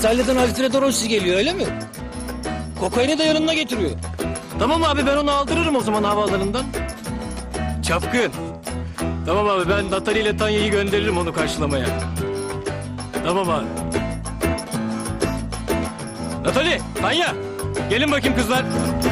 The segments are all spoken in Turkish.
İtalya'dan Alfredo Rossi geliyor öyle mi? Kokaini de yanında getiriyor. Tamam abi ben onu aldırırım o zaman havaalanından. Çapkın. Tamam abi ben Natali ile Tanya'yı gönderirim onu karşılamaya. Tamam abi. Natali, Tanya. Gelin bakayım kızlar.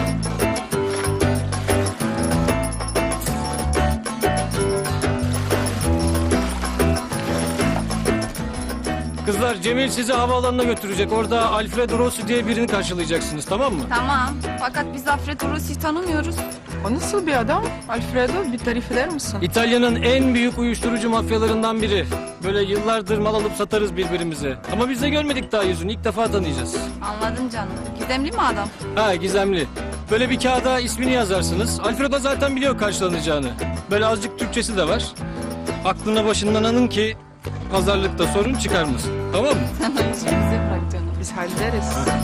Kızlar Cemil sizi havaalanına götürecek. Orada Alfredo Rossi diye birini karşılayacaksınız tamam mı? Tamam. Fakat biz Alfredo Rossi'yi tanımıyoruz. O nasıl bir adam? Alfredo bir tarif eder misin? İtalya'nın en büyük uyuşturucu mafyalarından biri. Böyle yıllardır mal alıp satarız birbirimize. Ama biz de görmedik daha yüzünü. İlk defa tanıyacağız. Anladım canım. Gizemli mi adam? Ha gizemli. Böyle bir kağıda ismini yazarsınız. Alfredo zaten biliyor karşılanacağını. Böyle azıcık Türkçesi de var. Aklına başından alın ki pazarlıkta sorun çıkarmasın. Tamam mı? Sen o işi bize bırak canım. Biz hallederiz.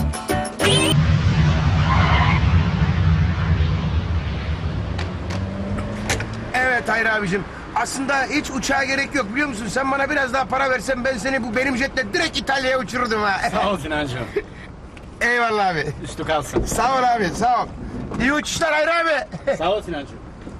Evet Hayri abicim. Aslında hiç uçağa gerek yok biliyor musun? Sen bana biraz daha para versen ben seni bu benim jetle direkt İtalya'ya uçururdum ha. Sağ ol Sinancığım. Eyvallah abi. Üstü kalsın. Sağ ol abi sağ ol. İyi uçuşlar Hayri abi. Sağ ol Sinancığım.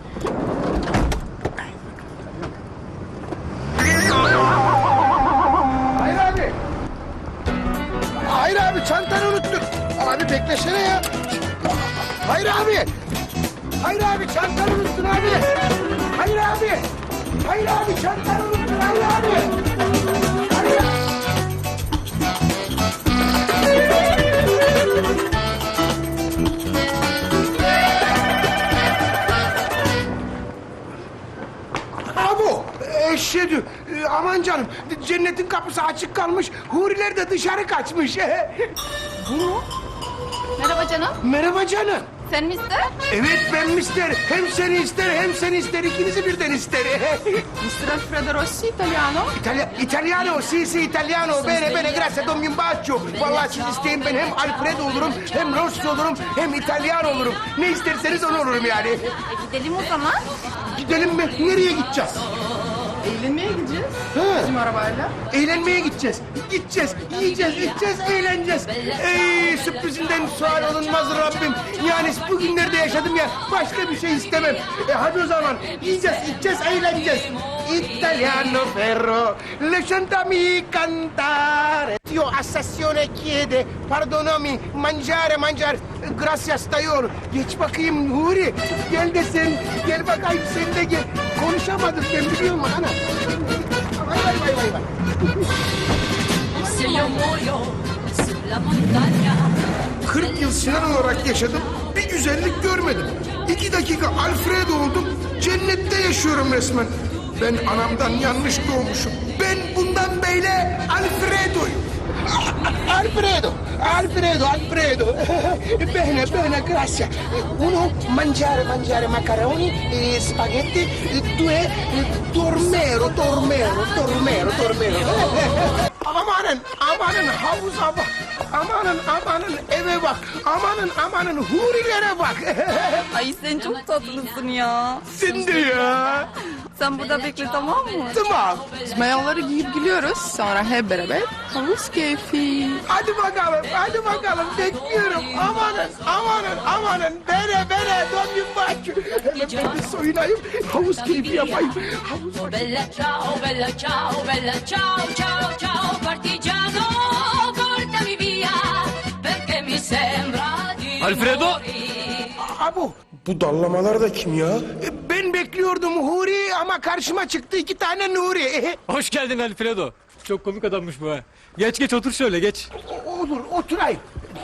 Hayri abi. Hayri abi çantanı unuttun. Abi beklesene ya. Hayri abi. Hayri abi çantanı unuttun abi. Hayri abi. Hayri abi çantanı unuttun Hayri abi. Hayri abi. Abo, eşhedü, aman canım, cennetin kapısı açık kalmış, huriler de dışarı kaçmış. Merhaba canım. Merhaba canım. Sen mi ister? Evet ben mister, hem seni ister hem seni ister, ikinizi birden ister. Mr. Alfredo Rossi, Italiano. Italiano, sì, italiano, bene, grazie, don un bacio. Vallahi siz isteyin ben hem Alfredo olurum, hem Rossi olurum, hem İtalyan olurum. Ne isterseniz onu olurum yani. Gidelim o zaman. Gidelim mi? Nereye gideceğiz? Eğlenmeye gideceğiz. Ha. Bizim arabayla. Eğlenmeye gideceğiz. Gideceğiz, yiyeceğiz, içeceğiz, eğleneceğiz. Ey sürprizinden sual olunmaz Rabbim. Yani bugünlerde yaşadım ya, başka bir şey istemem. Hadi o zaman yiyeceğiz, içeceğiz, eğleneceğiz. Italiano ferro, lasciami cantare. Io assassione chiede, pardonami, mangiare. Gracias tayor. Geç bakayım Nuri. Gel de sen, gel bakayım sen de gel. Konuşamadım ben biliyorum ana. Vay. Se io muoio sulla montagna 40 yıl Sinan olarak yaşadım, bir güzellik görmedim. 2 dakika Alfredo oldum, cennette yaşıyorum resmen. Ben anamdan yanlış doğmuşum. Ben bundan böyle Alfredo'yum. Alfredo. Bene, grazie. Uno, mangiare macaroni, spaghetti. Due, dormero. Amanın havuza bak. Amanın eve bak. Amanın hurilere bak. Ay sen çok tatlısın ya. Sen de ya. Sen burada bekle tamam mı? Tamam. Biz mayoları giyip gülüyoruz. Sonra hep beraber havuz keyfi. Hadi bakalım. Bekliyorum. Amanın. Bere. Don bir bak. Hemen ben de soyunayım. Havuz keyfi yapayım. Oh bella ciao partigiano portami via perché mi sembra di Alfredo! morire. Abu. Bu dallamalar da kim ya? Ben bekliyordum Huri ama karşıma çıktı 2 tane Nuri. Hoş geldin Alfredo. Çok komik adammış bu ha. Geç otur şöyle geç. Olur oturayım.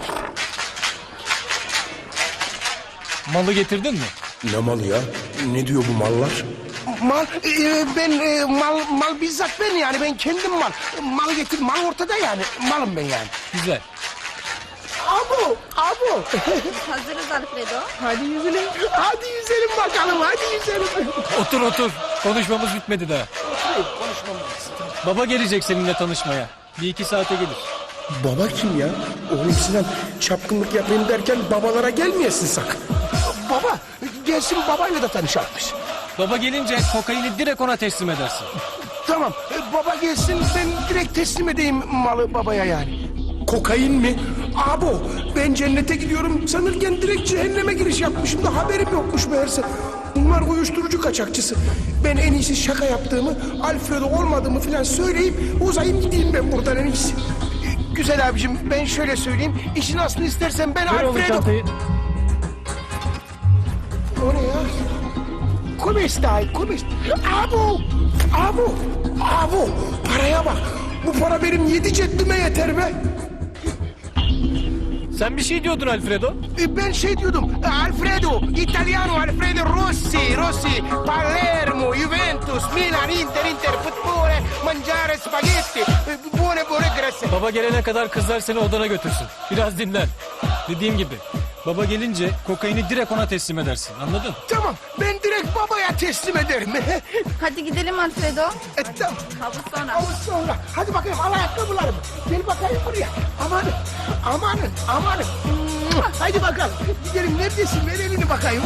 Malı getirdin mi? Ne malı ya? Ne diyor bu mallar? Mal, mal bizzat ben yani ben kendim mal. Mal getir, mal ortada yani. Malım ben yani. Güzel. Abu. Hazırız Alfredo. Hadi yüzülelim. Hadi yüzelim bakalım, hadi yüzelim. Otur. Konuşmamız bitmedi daha. Baba gelecek seninle tanışmaya. 1-2 saate gelir. Baba kim ya? Oğlum Sinan çapkınlık yapayım derken babalara gelmeyesin sakın. Baba, gelsin babayla da tanışalmış. Baba gelince kokaini direkt ona teslim edersin. Tamam, baba gelsin ben direkt teslim edeyim malı babaya yani. Kokain mi? Abo ben cennete gidiyorum sanırken direkt cehenneme giriş yapmışım da haberim yokmuş meğerse. Bunlar uyuşturucu kaçakçısı. Ben en iyisi şaka yaptığımı, Alfredo olmadığımı falan söyleyip uzayayım gideyim ben buradan en iyisi. Güzel abicim ben şöyle söyleyeyim. İşin aslını istersen ben Ver oğlum Alfredo... çantayı. O ne ya? Come stai? Come stai? Abo! Abo! Abo! Paraya bak. Bu para benim 7 ceddime yeter be. Sen bir şey diyordun Alfredo. Ben şey diyordum. Alfredo, Italiano Alfredo Rossi, Palermo, Juventus, Milan, Inter, futbole, mangiare spaghetti, buone grazie. Baba gelene kadar kızlar seni odana götürsün. Biraz dinlen. Dediğim gibi. Baba gelince kokaini direkt ona teslim edersin. Anladın? Tamam, ben direkt babaya teslim ederim. Hadi gidelim Alfredo. Tamam. Havuz sonra. Havuz sonra. Hadi bakayım al ayakkabılarımı. Gel bakayım buraya. Amanın. Hadi bakalım. Gidelim neredesin? Ver elini bakayım.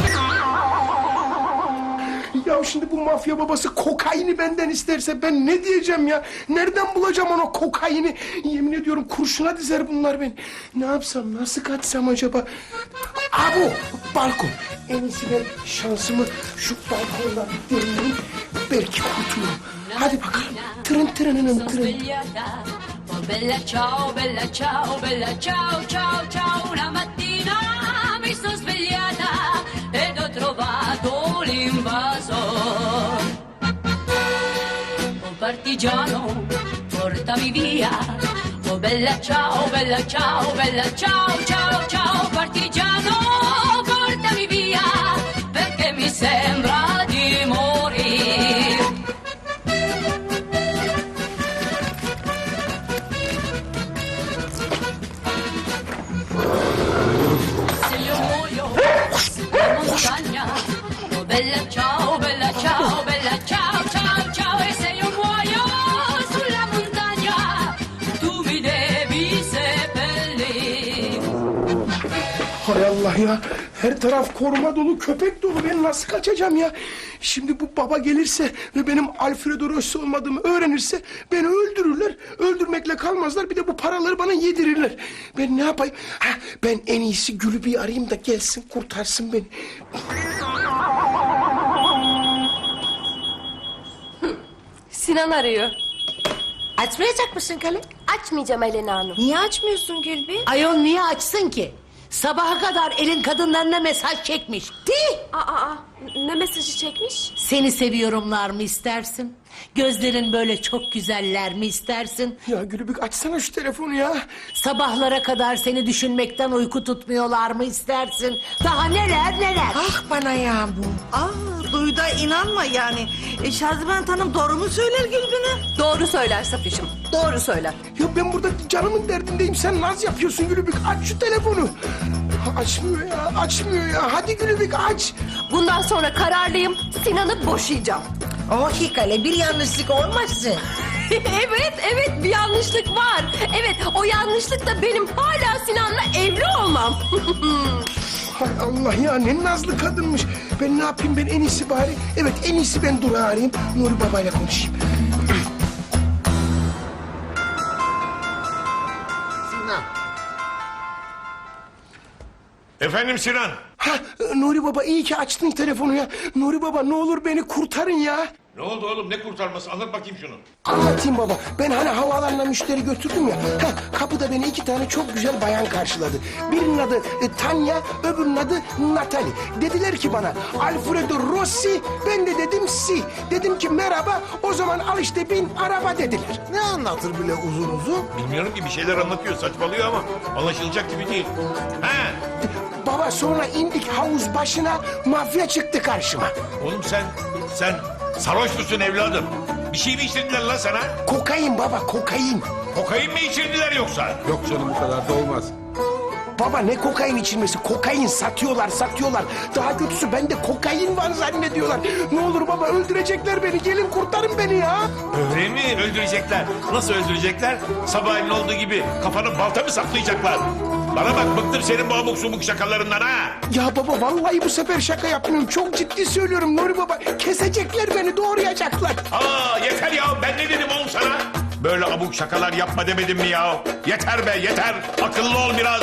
Ya şimdi bu mafya babası kokaini benden isterse ben ne diyeceğim ya? Nereden bulacağım onu kokaini? Yemin ediyorum kurşuna dizer bunlar beni. Ne yapsam, nasıl kaçsam acaba? Abu, balkon. En iyisi ben şansımı şu balkondan deneyeyim. Belki kurtulurum. Hadi bakalım. Tırın. Svegliata. Oh bella ciao, bella ciao, bella ciao, ciao, ciao. Una mattina mi sono svegliata ed ho trovato l'invasor. Oh partigiano, portami via. Oh bella ciao, bella ciao, bella ciao, ciao, ciao. Partigiano, portami via perché mi sembra di morire. Se io muoio sulla montagna, oh bella ciao, bella ciao, bella ciao, ciao, ciao. E se io muoio sulla montagna, tu mi devi seppellire. Hay Allah ya. Her taraf koruma dolu, köpek dolu. Ben nasıl kaçacağım ya? Şimdi bu baba gelirse ve benim Alfredo Rossi olmadığımı öğrenirse beni öldürürler. Öldürmekle kalmazlar. Bir de bu paraları bana yedirirler. Ben ne yapayım? Ben en iyisi Gül'ü bir arayayım da gelsin kurtarsın beni. Sinan arıyor. Açmayacak mısın Kale? Açmayacağım Elena Hanım. Niye açmıyorsun Gülbin? Ayol niye açsın ki? Sabaha kadar elin kadınlarına mesaj çekmiş. Ne mesajı çekmiş? Seni seviyorumlar mı istersin? Gözlerin böyle çok güzeller mi istersin? Ya Gülübük açsana şu telefonu ya. Sabahlara kadar seni düşünmekten uyku tutmuyorlar mı istersin? Daha neler. Ah bana ya bu. Duyda inanma yani. Şaziment Hanım doğru mu söyler Gülbin'e? Doğru söyler Safiş'im. Doğru söyler. Ya ben burada canımın derdindeyim. Sen naz yapıyorsun Gülübük. Aç şu telefonu. Açmıyor ya. Hadi Gülübük aç. Bundan sonra kararlıyım. Sinan'ı boşayacağım. Oh Hikale bir yanlışlık olmasın. evet bir yanlışlık var. Evet o yanlışlık da benim hala Sinan'la evli olmam. Hay Allah ya ne nazlı kadınmış. Ben ne yapayım ben en iyisi bari. Evet en iyisi ben Durağı arayayım. Nuri babayla konuşayım. Efendim Sinan. Nuri baba iyi ki açtın telefonu ya. Nuri baba ne olur beni kurtarın ya. Ne oldu oğlum ne kurtarması anlat bakayım şunu. Anlatayım baba. Ben hani havaalanına müşteri götürdüm ya. Kapıda beni 2 tane çok güzel bayan karşıladı. Birinin adı Tanya, öbürünün adı Natalie. Dediler ki bana Alfredo Rossi, ben de dedim si. Dedim ki merhaba, o zaman al işte bin araba dediler. Ne anlatır bile uzun? Bilmiyorum ki bir şeyler anlatıyor saçmalıyor ama anlaşılacak gibi değil. He Baba sonra indik havuz başına, mafya çıktı karşıma. oğlum sen sarhoş musun evladım? Bir şey mi içirdiler lan sana? Kokain baba, kokain. Kokain mi içirdiler yoksa? Yok canım bu kadar da olmaz. Baba ne kokain içilmesi? Kokain satıyorlar. Daha kötüsü bende kokain var zannediyorlar. Ne olur baba öldürecekler beni. Gelin kurtarın beni ya. Öyle mi öldürecekler? Nasıl öldürecekler? Sabahleyin olduğu gibi kafana balta mı saplayacaklar? Bana bak bıktım senin bu abuk subuk şakalarından ha. Ya baba vallahi bu sefer şaka yapmıyorum. Çok ciddi söylüyorum Nuri baba. Kesecekler beni, doğrayacaklar. Aa yeter ya ben ne dedim oğlum sana? Böyle abuk şakalar yapma demedim mi ya? Yeter be yeter. Akıllı ol biraz.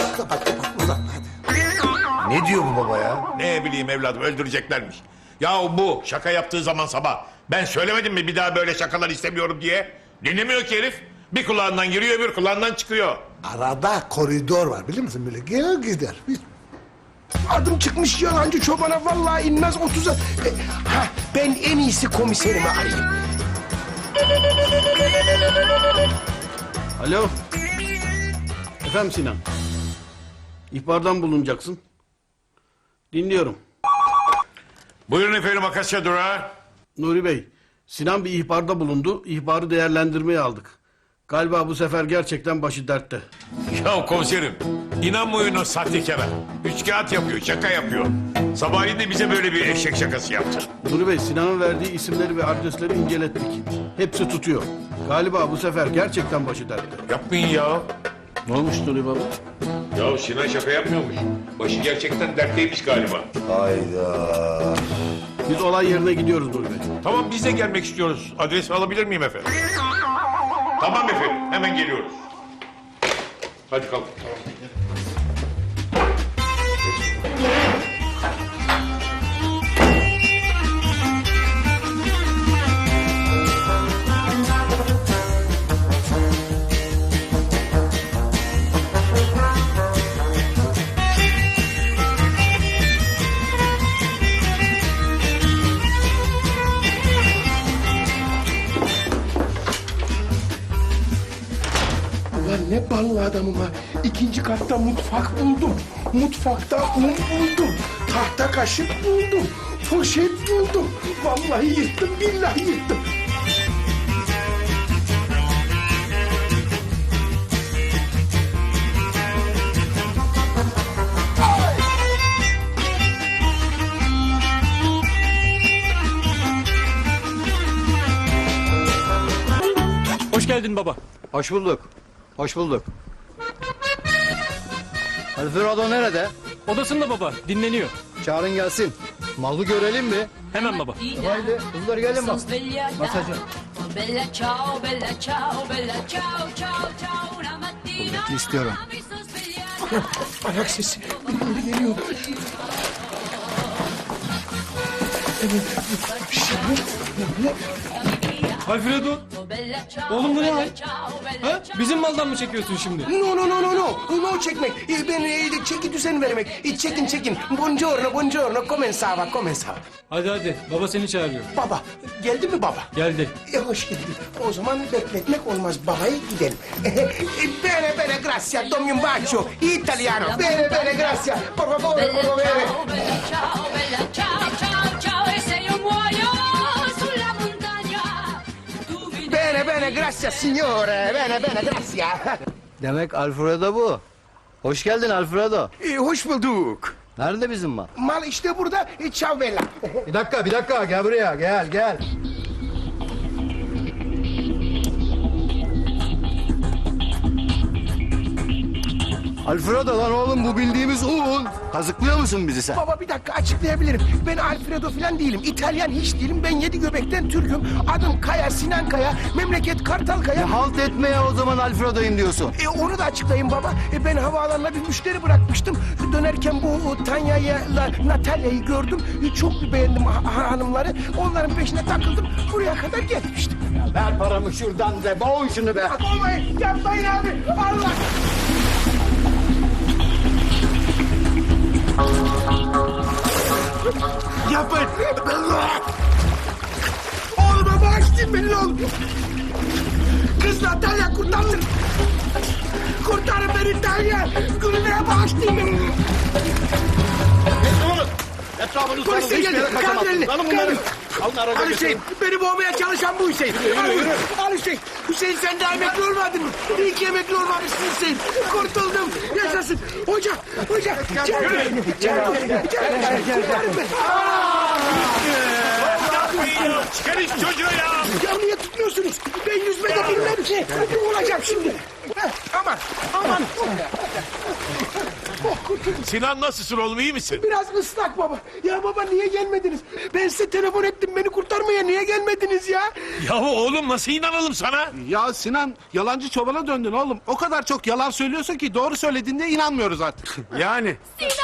Ne diyor bu baba ya? Ne bileyim evladım öldüreceklermiş. Ya bu şaka yaptığı zaman sabah. Ben söylemedim mi bir daha böyle şakalar istemiyorum diye? Dinlemiyor ki herif. Bir kulağından giriyor öbür kulağından çıkıyor. Arada koridor var biliyor musun? Böyle gelir gider. Adım çıkmış yalancı çobana vallahi inmez 30'a. Ben en iyisi komiserimi arayayım. Alo. Efendim Sinan. İhbardan bulunacaksın. Dinliyorum. Buyurun efendim Akasya Durağı. Nuri Bey, Sinan bir ihbarda bulundu. İhbarı değerlendirmeye aldık. Galiba bu sefer gerçekten başı dertte. Ya komiserim inanmayın o sahtekara. Üç kağıt yapıyor şaka yapıyor. Sabahleyin de bize böyle bir eşek şakası yaptı. Nuri Bey, Sinan'ın verdiği isimleri ve adresleri incelettik. Hepsi tutuyor. Galiba bu sefer gerçekten başı dertte. Yapmayın ya. Ne olmuş Nuri Baba? Ya Sinan şaka yapmıyormuş. Başı gerçekten dertteymiş galiba. Biz olay yerine gidiyoruz Nuri Bey. Tamam biz de gelmek istiyoruz. Adresi alabilir miyim efendim? Tamam efendim hemen geliyoruz. Hadi kalk. Ulan ne ballı adamım ha. İkinci katta mutfak buldum. Mutfakta un buldum. Tahta kaşık buldum. Poşet buldum. Vallahi yırttım billahi yırttım. Hoş geldin baba. Hoş bulduk. Hoş bulduk. Alfredo nerede? Odasında baba, dinleniyor. Çağırın gelsin. Malı görelim mi? Hemen baba. Haydi kızlar gelin bak. Masajı. Bella ciao, bella ciao, bella ciao, ciao, ciao. Una mattina Kuvvetli istiyorum. mi sono svegliata. Ayak sesi. Birileri geliyor. Alfredo, oğlum bu ne hal? Ha? Bizim maldan mı çekiyorsun şimdi? No no no no no. No çekmek. Ben çeki düzen vermek. Çekin. Buongiorno. Comenzava. Hadi, baba seni çağırıyor. Baba. Geldi mi baba? Geldi. Hoş geldin. O zaman bekletmek olmaz. Babaya gidelim. Bene, grazie. Dammi un bacio. Italiano. Bene, grazie. Por favore, Bella por favore. ciao, bella ciao, bella ciao, ciao, ciao. E se io muoio sulla montagna, tu mi Bene, grazie signore. Bene, grazie. Demek Alfredo bu. Hoş geldin Alfredo. Hoş bulduk. Nerede bizim mal? Mal işte burada. Ciao bella. Bir dakika gel buraya gel. Alfredo lan oğlum bu bildiğimiz un. Kazıklıyor musun bizi sen? Baba bir dakika açıklayabilirim. Ben Alfredo falan değilim. İtalyan hiç değilim. Ben 7 göbekten Türk'üm. Adım Kaya, Sinan Kaya. Memleket Kartalkaya. Halt etmeye o zaman Alfredo'yum diyorsun. Onu da açıklayayım baba. Ben havaalanına bir müşteri bırakmıştım. Dönerken bu Tanya'yla Natalya'yı gördüm. Çok beğendim hanımları. Onların peşine takıldım. Buraya kadar gelmiştim. Ver paramı şuradan be boğun şunu be. Olmayın, yapmayın abi. Allah. Yapmayın. Oğluma bağışlayın beni oğlum. Kız Natalya kurtarın. Kurtarın beni Natalya. Gülüne bağışlayın beni. Etrafını Polise geldi. Kaldır elini. Kaldır. Alın Al Hüseyin. Beni boğmaya çalışan bu Hüseyin. Al Hüseyin. Hüseyin sen daha emekli olmadın mı? İyi ki emekli olmamışsın Hüseyin. Kurtuldum. Yaşasın. Hoca. Gel. Kurtarın beni. Çıkar iş çocuğu ya. Ya niye tutmuyorsunuz? Ben yüzme de bilmem ki. Ne olacak şimdi? Aman. Oh kurtuldum. Sinan nasılsın oğlum, iyi misin? Biraz ıslak baba. Ya baba niye gelmediniz? Ben size telefon ettim beni kurtarmaya niye gelmediniz ya? Yahu oğlum nasıl inanalım sana? Ya Sinan yalancı çobana döndün oğlum. O kadar çok yalan söylüyorsun ki doğru söylediğinde inanmıyoruz artık. Yani.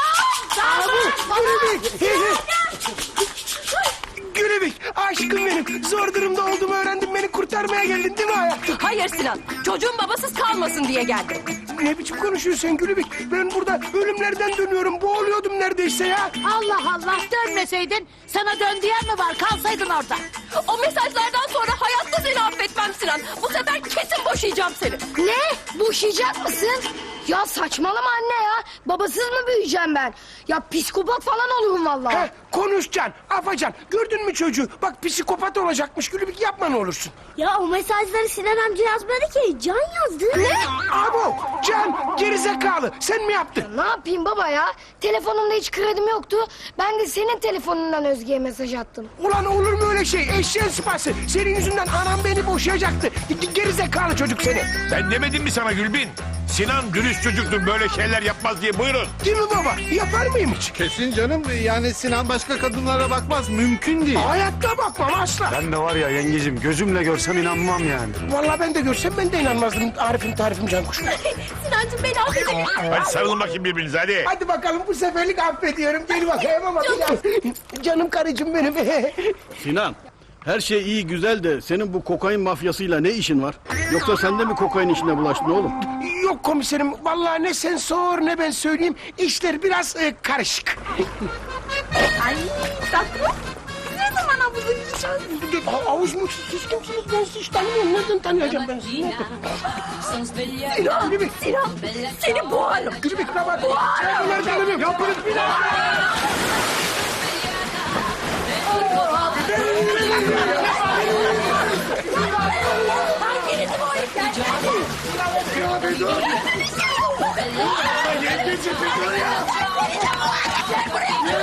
Gülübük aşkım benim. Zor durumda olduğumu öğrendim beni kurtarmaya geldin değil mi hayatım? Hayır Sinan. Çocuğun babasız kalmasın diye geldim. Ne biçim konuşuyorsun sen Gülübük? Ben burada ölümlerden dönüyorum. Boğuluyordum neredeyse ya. Allah Allah dönmeseydin sana dön diyen mi var? Kalsaydın orada. O mesajlardan sonra hayatta seni affetmem Sinan. Bu sefer kesin boşayacağım seni. Ne? Boşayacak mısın? Ya saçmalama anne ya. Babasız mı büyüyeceğim ben? Ya psikopat falan olurum vallahi. Heh, konuşacaksın, afacan. Gördün mü çocuğu? Bak psikopat olacakmış Gülübük yapma ne olursun. Ya o mesajları Sinan amca yazmadı ki. Can yazdı. Ne? Abo, Can gerizekalı. Sen mi yaptın? Ne yapayım baba ya? Telefonumda hiç kredim yoktu. Ben de senin telefonundan Özge'ye mesaj attım. Ulan olur mu öyle şey? Eşeğin sıpası. Senin yüzünden anam beni boşayacaktı. Gerizekalı çocuk seni. Ben demedim mi sana Gülbin? Sinan dürüst çocuktur, böyle şeyler yapmaz diye. Buyurun. Değil mi baba? Yapar mıyım hiç? Kesin canım yani Sinan başka kadınlara bakmaz. Mümkün değil. Hayatta bakmam asla. Ben de var ya yengecim gözümle görsem inanmam yani. Vallahi ben de görsem ben de inanmazdım. Arif'im tarifim can kuş. Sinancığım beni affet. Hadi sarılın bakayım birbirinize hadi. Hadi bakalım bu seferlik affediyorum. Gel bakayım ama biraz. Canım karıcığım benim. Sinan, her şey iyi güzel de senin bu kokain mafyasıyla ne işin var? Yoksa sen de mi kokain işine bulaştın oğlum? Yok komiserim. Vallahi ne sen sor ne ben söyleyeyim. İşler biraz karışık. Ay tatlı. Ne zaman havuza gideceğiz? Havuz mu? Siz kimsiniz? Ben sizi hiç tanımıyorum. Nereden tanıyacağım ben sizi? Nereden? Sinan, Gülübük. Sinan seni boğarım. Gülübük ne var? Nereden tanımıyorum? Yapınız bir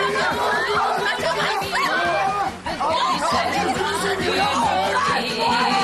Bella ciao,